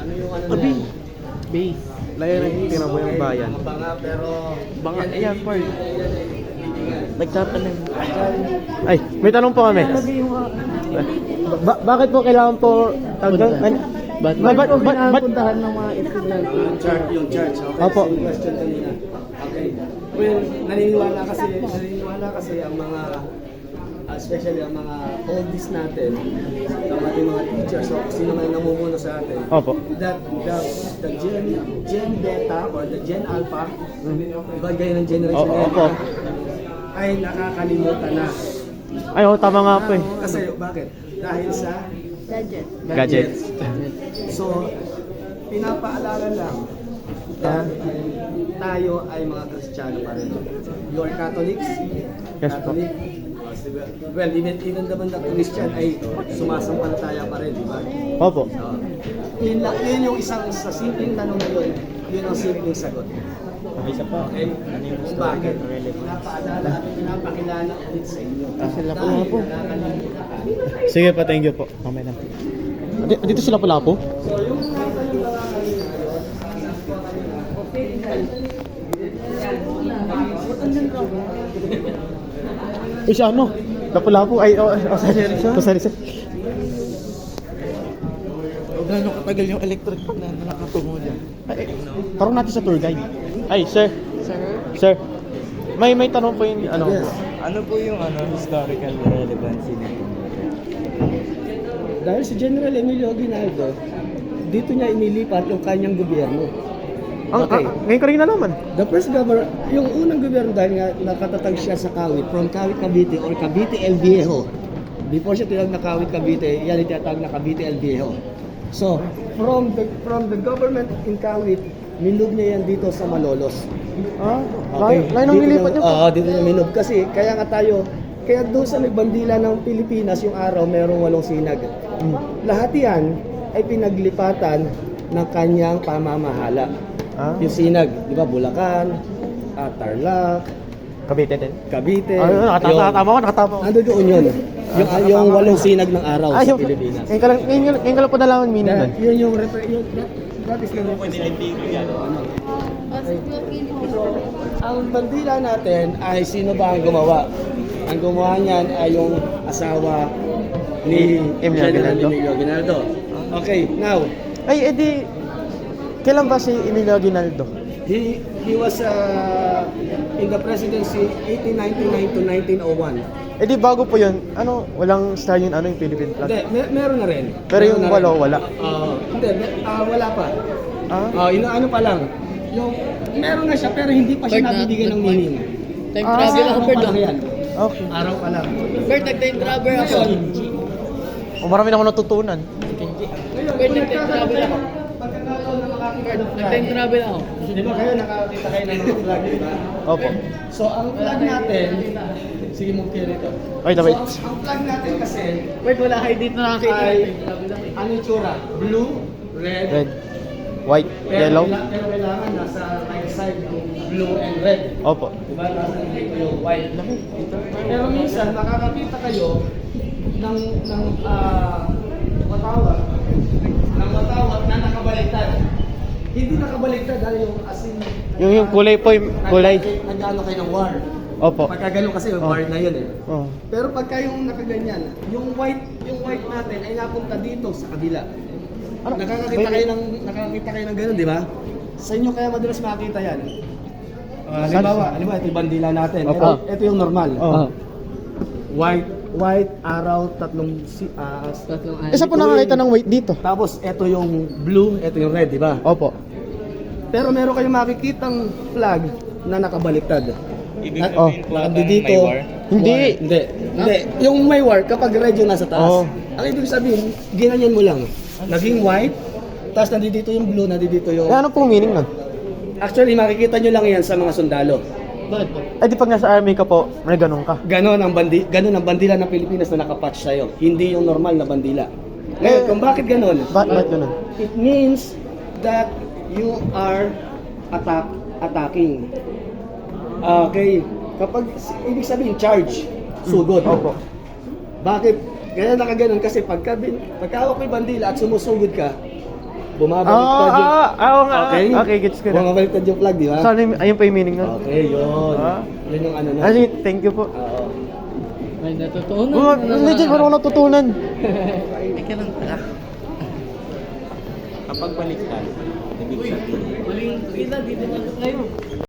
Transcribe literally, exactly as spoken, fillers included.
Ano yung ano Abi. na yan? Base. Layan ng tinaboy ng bayan. Mga banga pero... Banga, yan ay ayan, hindi- Paul. yan ay hindi nga. Nagtatanim. Dyan, Ay, may tanong po kami. Ba- bakit po kailangan po tagdang... Ba't ba, ba, ba, ba, puntahan ng mga estudyante? Yung chart, yung chart. Okay, Opo. same question kanina. Okay. Well, naniniwala kasi, naniniwala kasi ang mga, uh, especially ang mga oldies natin, ang ating mga teachers, so sino man namumuno sa atin, Opo. that the, the Gen, Gen Beta or the Gen Alpha, iba gaya ng generation O- na opo. ay nakakalimutan na. Ay, oh, tama nga po eh. Kasi bakit? Dahil sa Gadget. Gadgets. So, pinapaalala lang na tayo ay mga Kristiyano pa rin. You are Catholics? Yes po. Catholic? Well, even, even naman na Christian ay sumasampalataya pa rin, di ba? Opo. So, yun, lang- yun yung isang sa simpleng tanong na yun, yun ang simpleng sagot. Isa pa. Okay? Kung bakit? Pinapaalala at pinapakilala ulit sa inyo. Ah, sila po Dahil nga po. nakakalimutan ka. Sige pa, thank you po. Mamaya na. Di- Dito sila pala po? So, yung nakita nyo na lang kanina, Eh, siya ano? Lapu-lapu. Ay, oh, oh, sorry. Oh, sorry, sorry. Gano'ng katagal yung electric na nakatungo dyan? Ay, eh, tarong natin sa tour guide. Ay, sir. Sir? Sir. May may tanong po yung ano. Yes. Ano po yung ano historical relevancy nito? Dahil si General Emilio Aguinaldo, dito niya inilipat yung kanyang gobyerno. Ang, Okay. ah, ngayon ko rin nalaman. The first governor, yung unang gobyerno dahil nga nakatatag siya sa Kawit, from Kawit Cavite or Cavite El Viejo. Before siya tinawag na Kawit Cavite, yan yung tinatawag na Cavite El Viejo. So, from the from the government in Kawit, minub niya yan dito sa Malolos. Ah, okay. Lain ang Dito nilipat niya- niyo po. Oo, dito niya minub. Kasi, kaya nga tayo, kaya doon sa may bandila ng Pilipinas, yung araw, merong walong sinag. Hmm. Lahat yan ay pinaglipatan ng kanyang pamamahala. Ah, Yung sinag, di ba, Bulacan, ah, Tarlac, Cavite din. Cavite. Ah, nakatama tama ko, nakatama ko. Ando doon yun. Yung, Ah, yung walong sinag ng araw Ah, sa yung, Pilipinas. ngayon ka lang, ngayon, ngayon ka lang po nalaman meaning That, nun. yun yung, refer, yun, that, that is the represent. Ano? So, ang bandila natin ay sino ba ang gumawa? Ang gumawa niyan ay yung asawa ni Emilio General Aguinaldo. Emilio Aguinaldo. Okay, now, Ay, edi, kailan ba si Emilio Aguinaldo? he he was uh, in the presidency eighteen ninety-nine to nineteen oh one. Edi, bago po yun, ano, walang style yun, ano yung Philippine flag? Hindi, mer- meron na rin. Pero Meron yung na walo, rin. wala. Ah, hindi, me- ah, wala pa. Ah? Ah, ino ano pa lang. Yung meron na siya pero hindi pa siya Bird na- nabibigyan ng bird meaning. Time Ah, travel ako, Araw Bird. pa lang yan. Okay. Araw pa lang. Bird, nag-time travel ako. Ngayon, O, marami na ako natutunan. ngayon, Bird, kung nag-time travel ako. pagkakataon na makakita Bird, ng flag, nag-time travel ako. di ba kayo nakakita kayo ng mga flag, di ba? Opo. So, ang flag natin, sige mo kayo nito. Wait, So, wait. ang, ang flag natin kasi Bird, wala kayo dito nakakita. ay, ano yung tsura? Blue, red, Red, white, pero, yellow. kaila- pero kailangan nasa right side yung blue and red. Opo. Diba? Nasa dito yung white. Pero minsan, makakakita kayo ng, ng ah, watawat, ng watawat na nakabaliktad. Hindi nakabaliktad dahil yung asin. Yung, yung kulay po, yung kulay. Nag-ano kayo ng war. Opo. Pagka ganun kasi, Oh. war na yun eh. Oh. Pero pagka yung nakaganyan, yung white, yung white natin ay napunta dito sa kabila. Ano? Nakakakita Wait, kayo ng nakakakita kayo ng ganun, di ba? Sa inyo kaya madalas makita 'yan. Uh, Saan? halimbawa, halimbawa ito yung bandila natin. Opo. Ito, ito yung normal. Oh. White, white, araw, tatlong si ah, Tatlong ano. Isa po nakakita ng white dito. tapos ito yung blue, ito yung red, di ba? Opo. Pero meron kayong makikitang flag na nakabaliktad. Ibig Na- oh, sabihin po nakandi ata dito. may war? Hindi. War. Hindi. Hindi. Yung may war, kapag red yung nasa taas. Oh. Ang ibig sabihin, ginanyan mo lang. Naging white, tapos nandito yung blue, nandito yung... Eh, ano pong meaning nun? Actually, makikita nyo lang yan sa mga sundalo. Bakit po? Eh, di pag nasa army ka po, may ganun ka. Ganon ang, bandi ganon ang bandila ng Pilipinas na nakapatch sa'yo. Hindi yung normal na bandila. Ngayon, Eh, kung bakit ganon? Ba ba't ganun? It means that you are attack attacking. Okay. Kapag, ibig sabihin, charge. Sugod. Opo. Bakit? Ganyan nakaganon kasi pagka, bin- pagka hawak mo yung bandila at sumusugod ka, Bumabaliktad yung... Ah, ah, oo nga. Okay? Okay, gets ko na. Bumabaliktad yung flag, di ba? So, ano yung, ayun pa yung meaning nun? Okay, yun. Ah. Yun yung ano na. Ano yung thank you po. Oo. May natutunan. Oh, legit, parang ako natutunan. Ika lang pala. Kapag baliktad, ibig sabihin, Maling kita, dito na kayo.